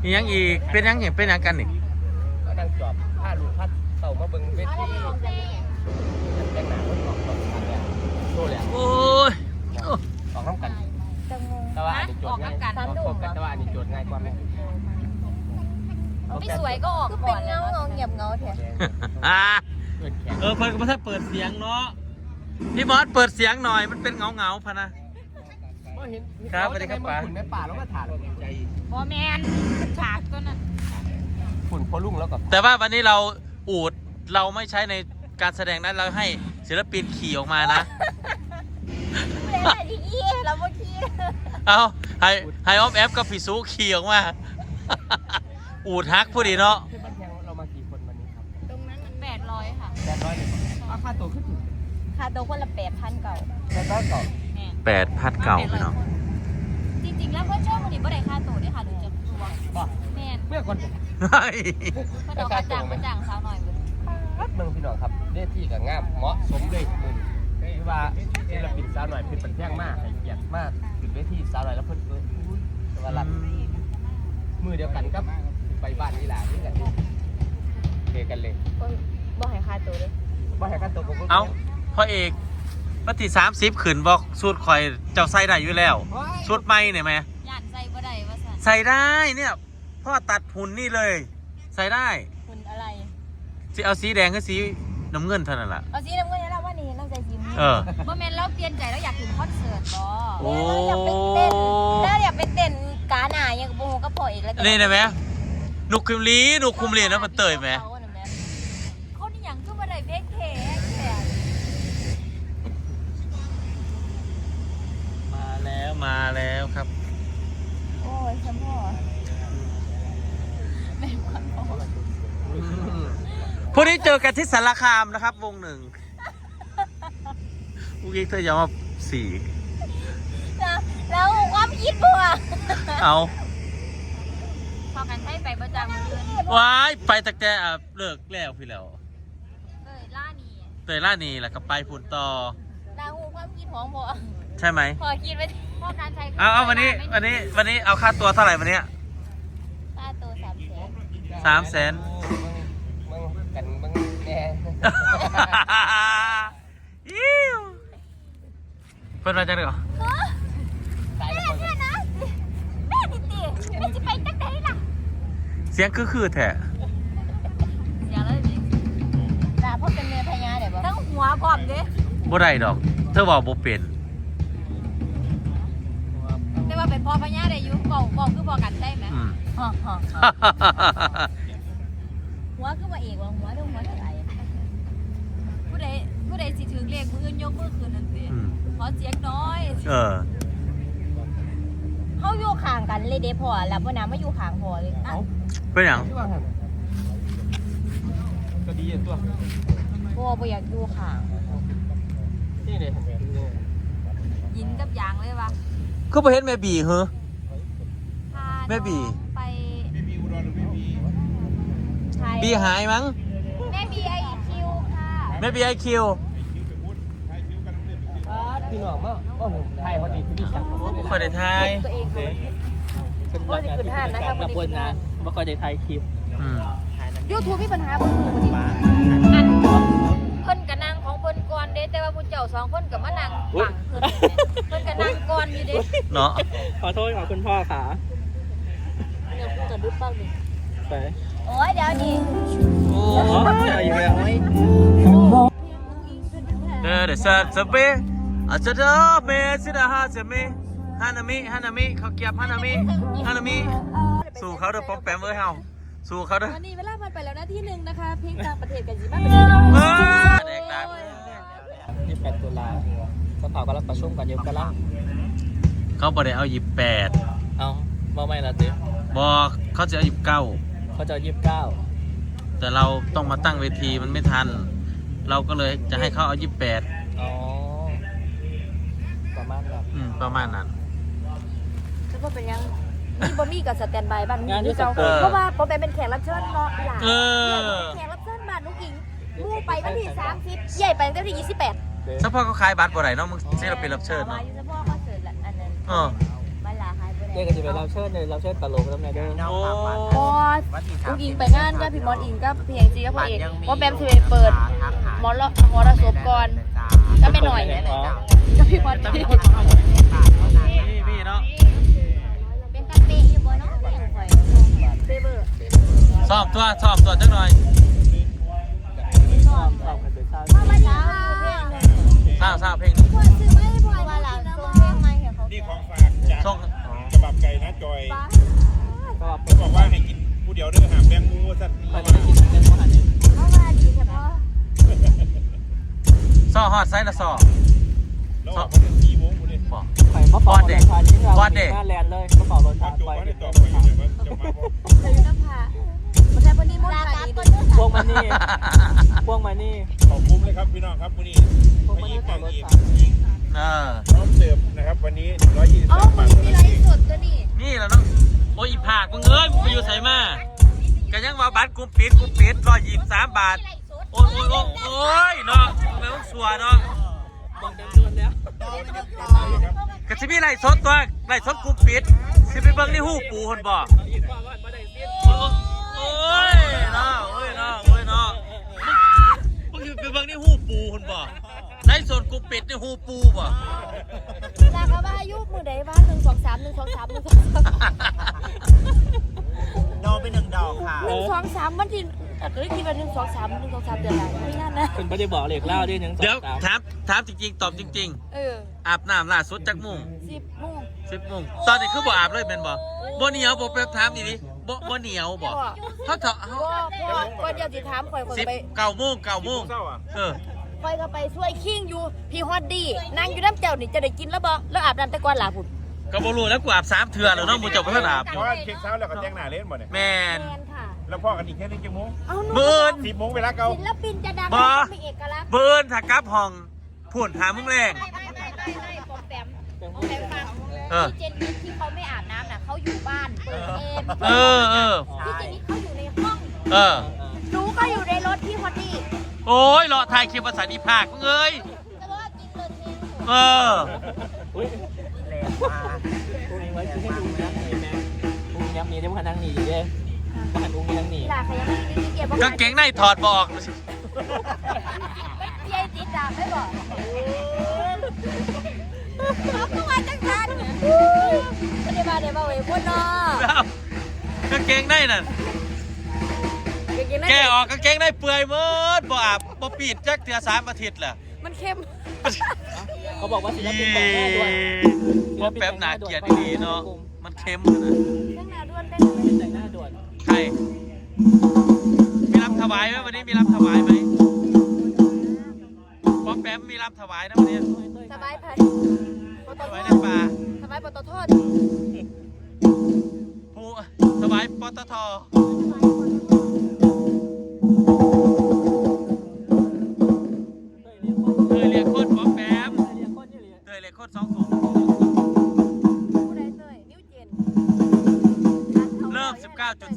ยังอีกเป็นยังกันนี่ก็นั่งจอบผ้าลูกพัดเต่ามาเบิ่งเวทีแต่งหน้าคนออกตอนทางเนี่ยโชว์เลยโอ้ยออกน้ำกันแต่ว่าอันนี้โจทย์ง่ายแต่ว่าอันนี้โจทย์ง่ายกว่าไหมไม่สวยก็ออกก่อนเป็นเงาเงียบเงาเถอะเพิ่นก็ไม่ใช่เปิดเสียงเนาะพี่มอสเปิดเสียงหน่อยมันเป็นเงาพะนะครับสวัสดีครับป๋าฝุ่นในป่าแล้วมาถ่านใจบอแมนฉากตัวนั้นฝุ่นพอลุ่งแล้วกับแต่ว่าวันนี้เราอูดเราไม่ใช้ในการแสดงนั้นเราให้ศิลปินขี่ออกมานะเราไม่ขี่เอาไฮออฟแอฟกับฟิซูขี่ออกมาอูดฮักผู้ดีเนาะเรามากี่คนวันนี้ครับตรงนั้นมัน800ค่ะ 800เลยค่าตัวขึ้นค่าตัวคนละ8,000เก่า 800เก่า 8,000เก่าพี่น้องจริงๆแล้วเพื่อนชอบคนนี้บ่ได้ค่าตัวด้วยค่ะหรือจะตัวแม่เมื่อก่อนเพื่อนเอากระจ่างสาวหน่อยเมืองพี่น้องครับเล่ที่กับงามเหมาะสมเลยคือว่าศิลปินสาวหน่อยเพิ่นเป็นแท่งมากให้เกียรติมากถึงเวทีสาวหน่อยแล้วเพิ่นว่ารันมือเดียวกันครับไปบ้านนี่แหละนี่กันเทกันเลยบ่ให้ค่าตัวเลยบ่ให้ค่าตัวผมเอาพ่อเอกปฏิ30ขืนบอกสูตรคอยเจ้าใส่ได้อยู่แล้วสูตรไม่เนี่ยไหมย่านใส่บ่ได้ว่าสั่นใส่ได้เนี่ยพ่อตัดหุ่นนี่เลยใส่ได้หุ่นอะไรสิเอาสีแดงกับสีน้ำเงินเท่านั้นแหละเอาสีน้ำเงินแล้วว่านี่น้ำใจสีบ่แม่นเราเปลี่ยนใจแล้วอยากถึงคอนเสิร์ตบ่โอ้แล้วอยากไปเต้นกาหน้ายังบ่ฮู้กับพ่ออีกแล้วนี่ได้ไหมหนุกคุมลีนะมันเตยไหมคนนี่ยังคือบ่ได้เพลงแท้มาแล้วครับโอ้ยฉันพ่อแม่ขวัญพ่อพวกนี้เจอกันที่สารคามนะครับวงหนึ่งพวกนี้เธอจะมา4 แล้วความคิดบัวเอาพอกันให้ไปประจำเดือนว้ายไปตั้งแต่เลิกแล้วพี่แล้วเตยล่านีแล้วก็ไปพุ่นต่อดาวความคิดของบัวใช่ไหมพอคิดไว้พ่อการใช้เอาวันนี้เอาค่าตัวเท่าไหร่วันนี้ค่าตัว 300,000 มึงกันมึงแน่เพิ่นมาจังเหรอแม่เนี่ยนะแม่ดิติแม่จะไปจังไหนล่ะเสียงคือแท้เสียงเลยดิด่าพ่อเป็นเมียพญาเดี๋ยวบอกทั้งหัวพร้อมดิบ่ได้ดอกเธอบอกบ่เป็นแต่ว่าเป็นพ่อพญาได้อยู่บอกคือบอกกันได้ไหมหัวคือว่าเอกว่าหัวต้องหัวอะไรผู้ใดสิถึงเลขมือยกมือคืนนั่นสิขอเสียงน้อยเขาอยู่ข้างกันเลยเด้พอแล้วพ่อน้ำไม่อยู่ข้างพอเลยเป็นอย่างก็ดีตัวพ่ออยากอยู่ข้างนี่เลยยินกับยางเลยวะก็ไปเห็นแม่บีเหรอแม่บีไปบีหายมั้งแม่บีไอคิวค่ะแม่บีไอคิวพี่น้องมั้งก็ไทยเขาดีที่พี่ชักไม่ค่อยได้ไทยเป็นรักงานที่เป็นการมาบนงานไม่ค่อยได้ไทยคลิป YouTube มีปัญหาบ่คืออันเพิ่นกับนางของเพิ่นก่อนเด้แต่ว่าผู้เจ้า2คนกับมานางฝั่งเพิ่นกับนางก่อนอยู่เด้เนาะขอโทษคุณพ่อขาเดี๋ยวพูดกันดึ๊บบ้างดิไปโอ้ยเดี๋ยวดิโอ้ยอยู่แล้วเด้อสัตว์สเปอาจจะเด้อเมสิดาฮาเซมิฮานามิเขาเก็บฮานามิสู่เขาเด้อป๊อปแปมเอ้ยเฮาสู่เขาเด้อวันนี้เวลาผ่านไปแล้วนะที่1นะคะเพลงต่างประเทศกันสิมาเป็นเด็กดัง 28 ตุลาสภากำลังประชุมกันอยู่กำลังเขาบอกได้เอา28 เอาบ่ไม่ละติบอกเขาจะเอา29 เขาจะ29 แต่เราต้องมาตั้งเวทีมันไม่ทันเราก็เลยจะให้เขาเอา28 อ๋อประมาณนั้นคือว่าเป็นยังนี่บอมี่กับสแตนบายบ้านนี่เจ้าเพราะว่าพอเป็นแขกรับเชิญเนาะหลานแขกรับเชิญบ้านลูกอิงมู่ไปวันที่30ใหญ่ไปตั้งแต่ที่28 เฉพาะเขาขายบัตรบ่ได้เนาะมึงที่เราเป็นรับเชิญเนาะเฉพาะคอนเสิร์ตอันนั้นบ้านลาขายบ่ได้เด็กก็จะไปรับเชิญเลยรับเชิญตลกแล้วไงเด้อโอ้บอสลูกอิงไปงานกับพี่มอสอิงกับพี่เอกจีกับพ่อเอกว่าแบมสิไปเปิดหมอระศพก่อนก็ไม่หน่อยก็พี่มอสพี่พี่เนาะเป็นตาเปะอยู่บ่เนาะบ่อย่างข่อยเปเบอร์ซ้อมตัวจักหน่อยชอบกันไปสร้างพ่อมาดีค่ะสร้างเพลงหนึ่งพ่อซื้อไม่พ่อว่าหลังส่งเพลงมาให้เขานี่ของฝากจากส่งกระบับไก่นะจอยก็เขาบอกว่าให้กินผู้เดียวเด้อหามแบงมูสัตว์คอยได้กินเป็นมหันต์พ่อมาดีใช่พ่อซ้อฮอดไซส์ละซ้อแล้วออกมาถึง4 โมงกูเนี่ยบอกคอยมาปอดเด็กพานี้เราหน้าแลนเลยกระเป๋ารถพอทางจบไปว่าได้ตอบไปอยู่เนี่ยว่าจะมาบอกเคยน้ำผาไม่ใช่วันนี้มดลาดีพวงมานี่พวงมานี่ขอบคุ้มเลยครับพี่น้องครับวันนี้พวงไม่มายิ่นี่งขัแต่บงรถอีกสามเออพร้อมเสิร์ฟนะครับวันนี้เอ้า 123 บาทมีไลฟ์สดตัวนี้นี่แหละเนาะโอ้ยอีผากมึงเอ้ยมึงไปอยู่ไสมาก็ยังว่าบัตรกูปิด123 บาทโอ้ยเนาะแม่งสัวเนาะบอกเต็มตัวแล้วก็สิมีไล่สดตัวไล่สดกูปิดสิไปเบิ่งในหูปูคนบ่อีกว่าว่าไม่ได้เสียโอ้ยเนาะโอ้ยเนาะโอ้ยเนาะมึงสิไปเบิ่งในหูปูคนบ่ไล่สดกูปิดในหูปูบ่ลากว่าอายุมือใดบ้าน123 123 ดอกเป็น1 ดอกค่ะ 123วันที่ก็ได้คิดว่า123 123เดือนละไม่งั้นนะคุณไม่ได้บอกเหล็กเล่าด้วยยังสองเดี๋ยวสามถามจริงๆตอบจริงเออๆอาบน้ำล่าสุดจักโมง 10 โมง 10 โมงตอนนี้คือบ่อาบเลยแม่นบ่บ่เหนียวบ่ไปถามนี่ดิบ่เหนียวบ่เฮาเถาะเฮาพ่อก่อนเดี๋ยวสิถามข่อยไป 9 โมงเศร้าอ่ะเออข่อยก็ไปช่วยคิงอยู่พี่ฮอดดี้นั่งอยู่น้ำเจ้านี่จะได้กินแล้วบ่แล้วอาบน้ำแต่ก่อนล่ะพุ่นก็บ่รู้แล้วกูอาบ3เทื่อแล้วเนาะมึงจะบ่ทันอาบอเพยู่ราะว่าเค้กเช้าแล้วก็แจ้งหน้าเล่นหมดเนี่ยแม่นแมนค่ะแล้วพ่อกันอีกแค่นี้กี่โมงเอาหนูเบิ่น 10 โมงเวลาเก่าศิลปินจะดังบ่มีเอกลักษณ์เบิ่นถ้ากลับห้องพูนหามึงแรงไม่ปอมแปมฟังเออพี่เจนนี่ที่เขาไม่อาบน้ำน่ะเขาอยู่บ้านเปิดเองเออพี่เจนนี่เขาอยู่ในห้องเออหนูก็อยู่ในรถพี่ฮอดดี้โอ้ยรอถ่ายคลิปภาษาอีภาคมึงเอ้ยแต่ว่ากินเลยเองเอออุ้ยแรงมากอุ้งไว้คือให้ดูนะเห็นไหมอุ้งย้ำนี้ได้มานั่งหนีเด้มาหันอุ้งนั่งหนีหลาใครยังไม่ได้กินเกียร์บอกกางเกงในถอดบอกพี่ไอติดดามไม่บอกเขาก็มาจังกันไม่ได้มาเดี๋ยวมาเว้ยพ่นเนาะกางเกงในนั่นแกออกกางเกงในเปื่อยเมิดบ่อาบบ่ปีดจักเทื่อ3 อาทิตย์ล่ะมันเข้มเขาบอกว่าศิลปินแต่งหน้าด้วยบ่แป๊บหนาเกลียดดีเนาะมันเค็มนะเรื่องนาด้วนได้แต่งหน้าด่วนใครมีรับถวายไหมวันนี้มีรับถวายไหมป๊อปแป๊มมีรับถวายนะวันนี้สบายไผ่ปตถทวายในป่าสบายปตทผู้ถวายปตทเคยเรียกคนป๊อปแป๊มเคยเรียกคน2 ถุงผู้ใดเตยนิ้วเจนเริ่ม